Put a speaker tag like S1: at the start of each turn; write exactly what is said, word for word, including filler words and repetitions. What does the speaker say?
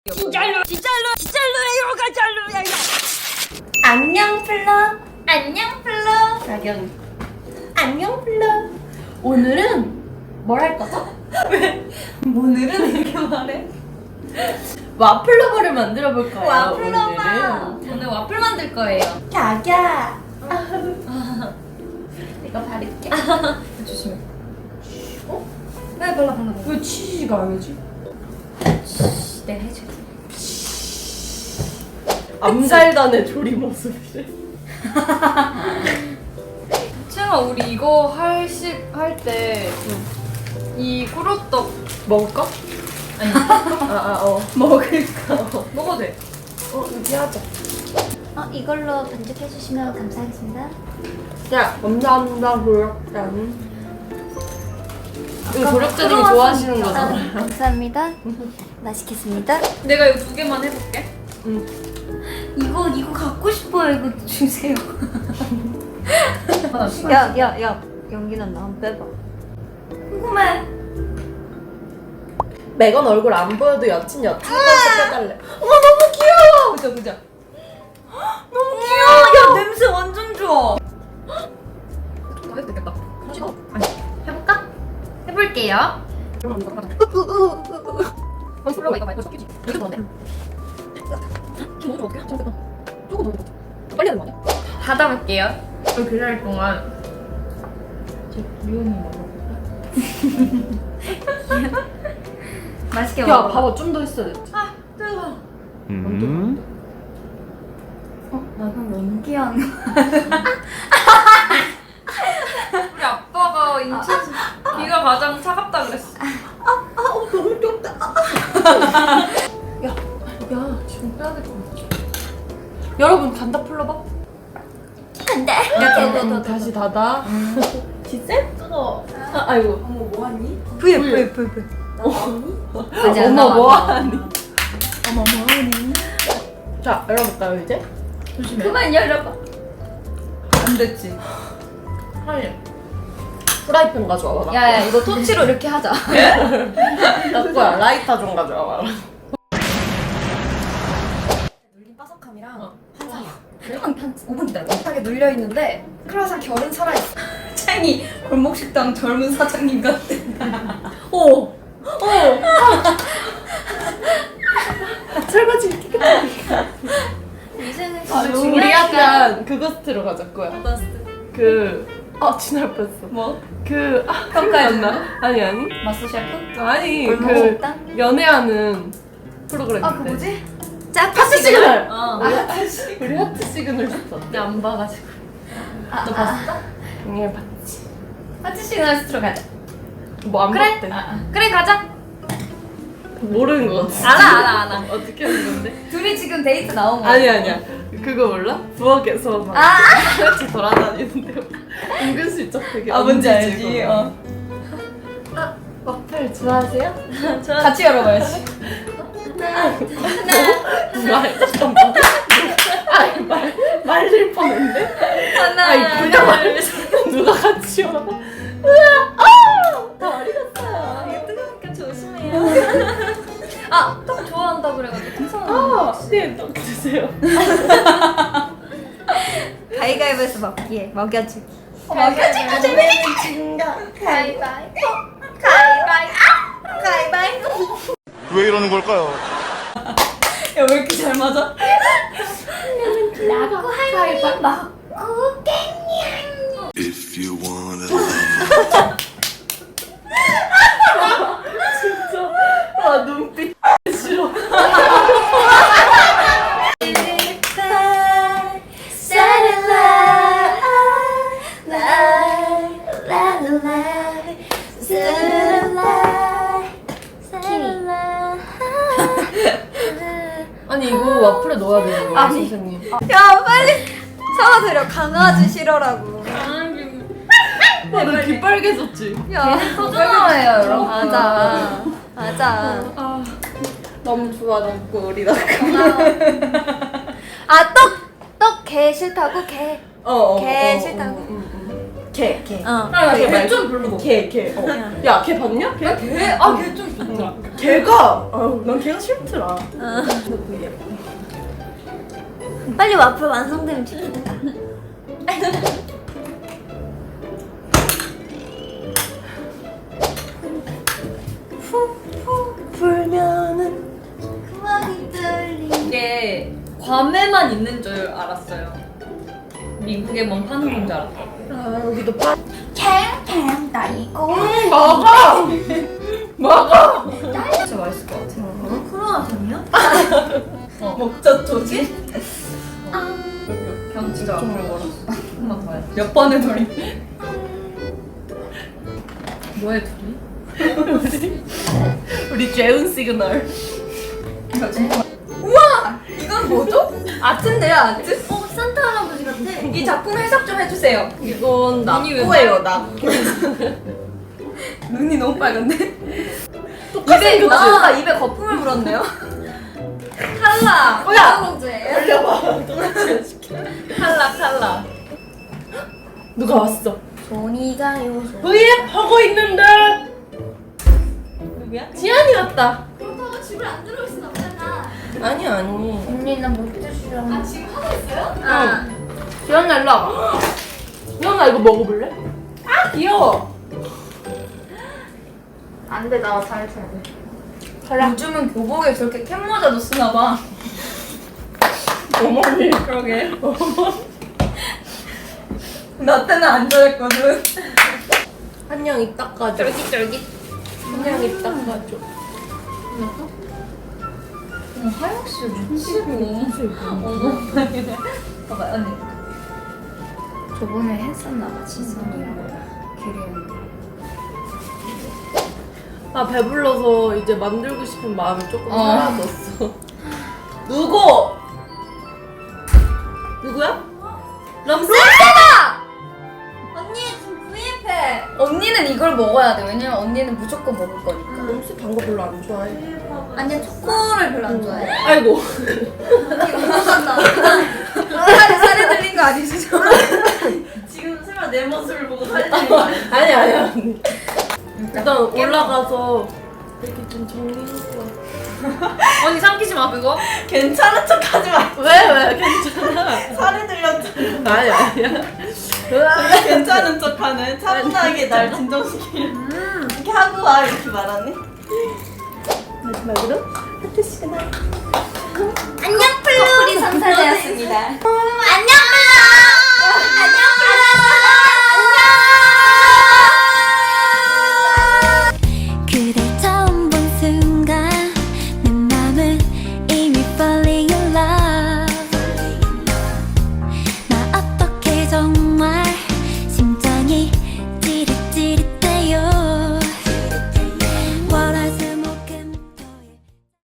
S1: 진짜로 진짜로 진짜로야 가짜로야.
S2: 안녕 플러. 안녕 플러.
S1: 나경.
S2: 안녕 플러. 오늘은 뭘 할 거죠?
S1: 왜? 오늘은 이렇게 말해?
S2: 와플러버를 만들어 볼 거예요.
S1: 와플러버. 오늘 와플 만들 거예요.
S2: 자기야. 이거 바를게.
S1: 조심해. 어? 왜 발라 발라.
S2: 왜 치즈가 아니지?
S1: 내가 해줄게.
S2: 암살단의 조리 모습이래.
S1: 채영아, 우리 이거 할식 할 때 이 꾸루떡
S2: 먹을까?
S1: 아니
S2: 아아 어. 먹을까? 어.
S1: 먹어도 돼.
S2: 어 여기 하자.
S3: 어, 이걸로 반죽해 주시면 감사하겠습니다.
S2: 야 감사합니다 고맙다. 이거 조력자님이
S3: 크로와상
S2: 좋아하시는
S3: 아,
S2: 거잖아요.
S3: 감사합니다. 맛있겠습니다.
S1: 내가 이거 두 개만 해볼게.
S2: 응.
S3: 이거 이거 갖고 싶어요. 이거 주세요.
S1: 하나
S3: 야, 야, 야. 연기 난다. 한번 빼봐. 궁금해.
S2: 매건 얼굴 안 보여도 여친 여친 컨셉 해달래. 어머 너무 귀여워.
S1: 보자 보자.
S3: 너무 귀여워. 야, 냄새 완전 좋아.
S1: 다 해도 되겠다. 아니, 해볼까? 해볼게요. 플러가 이거 말고 섞이지. 이렇게 넣었네. 이거 어떻게 해? 잠깐만. 조금 더 넣어. 빨리 하는 거 아니야? 닫아볼게요. 그 기다릴 동안 제 미혼이 먹어볼까?
S3: 맛있게
S2: 야
S3: 먹어.
S2: 봐봐 좀 더 했어야 됐지.
S1: 아, 뜨거워.
S4: 음.
S3: 나는 연기하는.
S1: 우리 아빠가 인천에서 귀가 가장 차갑다 그랬어.
S2: 어 너무 좁다. 야, 야 지금 빼야 될 것 같아. 여러분 간다 풀러봐.
S3: 안 돼.
S2: 음, 다시 닫아. 지쌤?
S1: 뜨거워.
S2: 아, 아이고.
S1: 어머, 뭐하니?
S3: 부여, 부여, 부여, 부여. 아직 안
S2: 엄마
S3: 나와, 안
S2: 뭐하니?
S1: 어머, 뭐하니?
S2: 자 열어볼까요 이제?
S1: 조심해.
S3: 그만 열어봐.
S1: 안 됐지. 하이.
S2: 프라이팬 가져와봐.
S3: 야, 야, 이거 토치로 이렇게 하자.
S2: 나 거야. 라이터 좀 가져와봐.
S5: 눌린 바삭함이랑
S1: 어.
S5: 한상이야.
S3: 한, 한 오 분 기다려.
S5: 하게 눌려 있는데 크로아상 결은 살아있어.
S1: 창이 골목식당 젊은 사장님 같아.
S2: 오! 오! 설거지 깨끗하게.
S3: 이제는
S2: 아, 우리 약간 그거 스트로 가자 거야. 그... 아 지날 뻔했어.
S1: 뭐?
S2: 그... 아
S1: 평가해
S2: 생각이 안 나? 아니 아니.
S1: 마스 셰프?
S2: 아니
S3: 골목
S2: 그
S3: 식당?
S2: 연애하는 프로그램
S5: 아 그 뭐지?
S2: 하트 시그널!
S1: 어.
S2: 우리 하트 시- 우리 하트 시그널 줬어.
S1: 내가 안 봐가지고.
S3: 아,
S1: 너 봤어?
S2: 응 봤지.
S1: 하트 시그널 스트로 가자.
S2: 뭐안
S1: 그래?
S2: 봤대.
S1: 아, 아. 그래, 가자.
S2: 모르는 거 같아.
S1: 알아, 알아, 알아.
S2: 어떻게 하는 건데?
S1: 둘이 지금 데이트 나온 거야.
S2: 아니 아니야. 그거 몰라? 부엌에서 막
S1: 아!
S2: 같이 돌아다니는데 은근슬쩍 되게
S1: 아, 뭔지
S2: 얹어지고.
S1: 알지? 어.
S2: 아, 와플 좋아하세요?
S1: 같이 열어봐야지.
S2: 말 잠깐만. 아이 말 말릴 뻔했네.
S1: 하나,
S2: 아이 그냥 말 누가 같이 와? 으아! 아! 다 어디 갔어요?
S1: 이게 뜨거우니까 조심해요. 아, 떡 좋아한다 그래가지고 괜찮아.
S2: 아, 네, 떡 드세요.
S3: 가위가위바위보 먹기에 먹여주기.
S1: 먹여주기 재밌는
S2: 진가.
S3: 가위바위보. 가위바위보. 가위바위보.
S4: 왜 이러는 걸까요?
S1: 야, 왜 이렇게 잘 맞아?
S3: 라고 하니 먹고
S4: If you wanna love
S2: 진짜. 아 눈빛 싫어. 아니 이거 와플에 넣어야 되는 거예요,
S3: 아니.
S2: 선생님?
S3: 야, 빨리 사과드려. 강아지 싫어라고.
S2: 아, 너귀 빨개졌지?
S3: 야,
S1: 소중해요, 여러분.
S3: 맞아. 맞아.
S2: 아, 너무 좋아, 너무 우리 나.
S3: 아, 떡! 떡 개 싫다고? 개.
S2: 어, 어,
S3: 개
S2: 어,
S3: 싫다고?
S2: 어, 응, 응. 개, 개.
S3: 어.
S2: 아, 개 말고.
S1: 좀 별로고.
S2: 개, 개. 어. 야, 개 봤냐? 개?
S1: 개? 아, 걔 좀 좋더라.
S2: 개가, 아유, 난 개가 싫더라.
S3: 어.
S2: 되게
S3: 빨리 와플 완성되면 좋겠다. 푹푹 불면은 그만이 떨리.
S1: 이게 괌에만 있는 줄 알았어요. 미국에만 파는 건 줄 알았다.
S2: 아, 여기도 빠.
S3: 캥캥 나 이거.
S2: 음, 먹어! 먹어!
S1: 진짜 맛있을 것 같아.
S3: 어, 크로아상이야?
S2: 먹자, 조지?
S1: 그냥 진짜 앞으로 걸었어. 한번 더 해. 몇 번의 돌이? 뭐해 둘이?
S2: 우리 재운 시그널.
S1: 이건 뭐죠? 아트인데요, 아트?
S3: 어, 산타 할아버지 같아.
S1: 이 작품 해석 좀 해주세요.
S2: 이건
S1: 눈이 왜
S2: 낙고예요, 낙고.
S1: 눈이 너무 빨간데?
S2: 똑같이
S1: 입에,
S2: 그치?
S1: 아, 입에 거품을 물었네요. 탈락!
S2: 뭐야?
S1: 문제예요?
S2: 올려봐. 동아지
S1: 탈락, 탈락.
S2: 누가 왔어?
S3: 손이가요.
S2: 브이앱 하고 있는데!
S1: 누구야?
S2: 지안이 왔다.
S3: 그렇다고 집을 안 들어올 순 없잖아.
S2: 아니, 아니.
S3: 언니는 못 드시려. 아, 지금 하고 있어요?
S2: 아. 지안아, 일로 와봐. 지안아, 이거 먹어볼래? 아, 귀여워.
S3: 안 돼, 나 잘 쳐야 돼.
S1: 요즘은 교복에 저렇게 캡모자도 쓰나봐.
S2: 어머니.
S1: 그러게. 나 때는 안 좋아했거든.
S2: 한양 이 닦아줘.
S1: 쫄깃쫄깃.
S2: 한양 이 닦아줘.
S1: 어, 하영씨 미치고. 어머. 봐봐, 언니.
S5: 저번에 했었나봐 지선이랑 기리언니.
S2: 아, 배불러서 이제 만들고 싶은 마음이 조금
S1: 어.
S2: 사라졌어. 누구? 누구야? 람스?
S3: 언니, 지금 브이앱 해.
S1: 언니는 이걸 먹어야 돼. 왜냐면 언니는 무조건 먹을 거니까.
S2: 람스 단 거 별로 안 좋아해.
S3: 아니, 초코를 별로 안 좋아해.
S2: 아이고.
S1: 살이 살이 들린 거 아니시죠?
S3: 지금 설마 내 모습을 보고 살이 찌는 거 아니야?
S2: 아니, 아니야. 일단 올라가서 이렇게 좀 정리하고 와.
S1: 언니 삼키지 마 그거.
S3: 괜찮은 척 하지 마.
S2: 왜, 왜? 괜찮아.
S3: 살이 들렸잖아.
S2: 아니, 아니야.
S3: 괜찮은 척 하네. 차분하게 날 진정시키려. 이렇게 하고 와. 이렇게 말하네.
S2: 마지막으로 하트 시그널.
S3: 안녕, 플루. 우리 삼사대였습니다. 안녕, 플루.